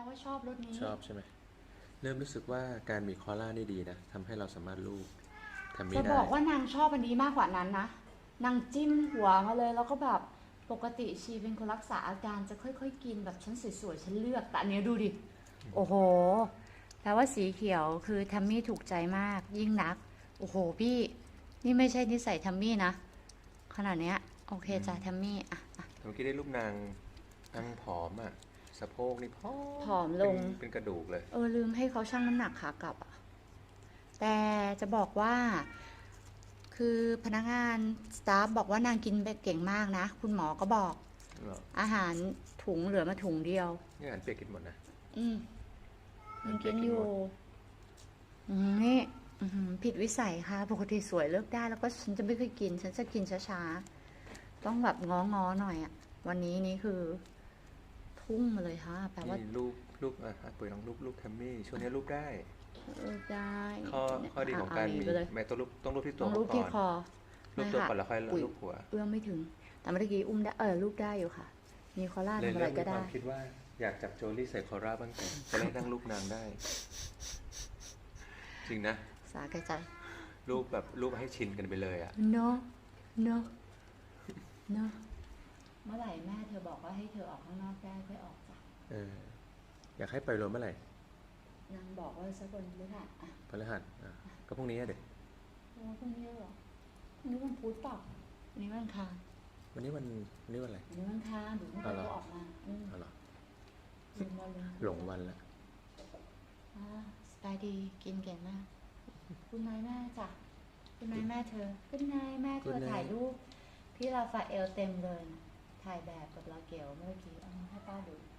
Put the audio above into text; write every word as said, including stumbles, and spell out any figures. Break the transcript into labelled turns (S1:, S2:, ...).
S1: ว่าชอบรสนี้
S2: ชอบใช่ไหมเริ่มรู้สึกว่าการมีคอล่านี่ดีนะทำให้เราสามารถลูบทำ
S1: จะ
S2: ไม่ได้
S1: บอกว่านางชอบอันนี้มากกว่านั้นนะนางจิ้มหัวมาเลยแล้วก็แบบปกติชีเป็นคนรักษาอาการจะค่อยๆกินแบบฉันสวยๆฉันเลือกแต่อันนี้ดูดิโอ้โหแปลว่าสีเขียวคือทัมมี่ถูกใจมากยิ่งนักโอ้โหพี่นี่ไม่ใช่นิสัยทัมมี่นะขนาดเนี้ยโอเคจ้ะทัมมี่อ่ะอ่ะ
S2: เมื่อกี้ได้รูปนางนางผอมอ่ะสะโพกนี่ผอ
S1: ผ
S2: มเป็น
S1: อมลง
S2: เป็นกระดูกเลย
S1: เออลืมให้เขาชั่งน้ำหนักขากลับอ่ะแต่จะบอกว่า คือพนักงานสตาฟบอกว่านางกินไปเก่งมากนะคุณหมอก็บอก
S2: เหรอ
S1: อาหารถุงเหลือมาถุงเดียว
S2: นี่อาหารเปียกกินหมดนะ
S1: อืม
S2: อาหารเปี
S1: ยังกินอยู่
S2: ยกกินหมด
S1: อืมนี่อืมผิดวิสัยค่ะปกติสวยเลิกได้แล้วก็ฉันจะไม่เคยกินฉันจะกินช้าๆต้องแบบง้อๆหน่อยอะวันนี้นี่คือทุ่งมาเลยค่ะแปลว่า
S2: นี่รูปรูปอ่ะอ่ะปุ๋ยลองรูปรูปแทมมี่ช่วงนี้รูปได้
S1: เออได้
S2: ข้อข้อดีของการมี
S1: ไปเลย
S2: ไม่ต้องรูปต้องรูปที่ตั
S1: ต้องรูป
S2: วเขาก่อน
S1: ที่คอ
S2: รูป
S1: ไม่
S2: ตัว
S1: ค่ะ
S2: ก่อนแล้วค่อย
S1: ปุ๋ย
S2: รูปหัว
S1: เอื้อมไม่ถึงแต่เมื่อกี้อุ้มได้เออรูปได้อยู่ค่ะมีคอล่า
S2: เลย
S1: ทำอะ
S2: เริ่มมีควา
S1: ไรก็ได้
S2: มคิดว่าอยากจับโจลี่ใส่คอร่าบ้างแต่จะได้นั่งรูปนางได้จริงนะ
S1: สาแก่ใจ
S2: รูปแบบรูปให้ชินกันไปเลยอ่ะ
S1: no no no เมื่อไหร่แม่เธอบอกว่าให้เธอออกข้างนอกได้ค่อยออกจ้ะ
S2: เอออยากให้ไปรวมเมื่อไหร่
S1: นางบอกว่าสักวันพฤหัสอ่ะ
S2: พฤหัสอ่ะก็พรุ่งนี้อะเด็ก
S1: โอ้พรุ่งนี้เหรอพรุ่งนี้วันพุธเปล่าวันนี้วันอังคาร
S2: วันนี้วันวันนี้วันอะไร
S1: วันนี้วันอังคารเดี๋ยวไม่ไปก็ออกมาอืม
S2: เอาเหรอ
S1: ลืมวันเลย
S2: หลงวันละ
S1: อ่าสบายดีกินเก่งมากคุณนายแม่จ้ะคุณนายแม่เธอคุณนายแม่เธอถ่ายรูปพี่ราฟาเอลเต็มเลยนะถ่ายแบบกับลาเกลเมื่อกี้เอามาให้ป้าดู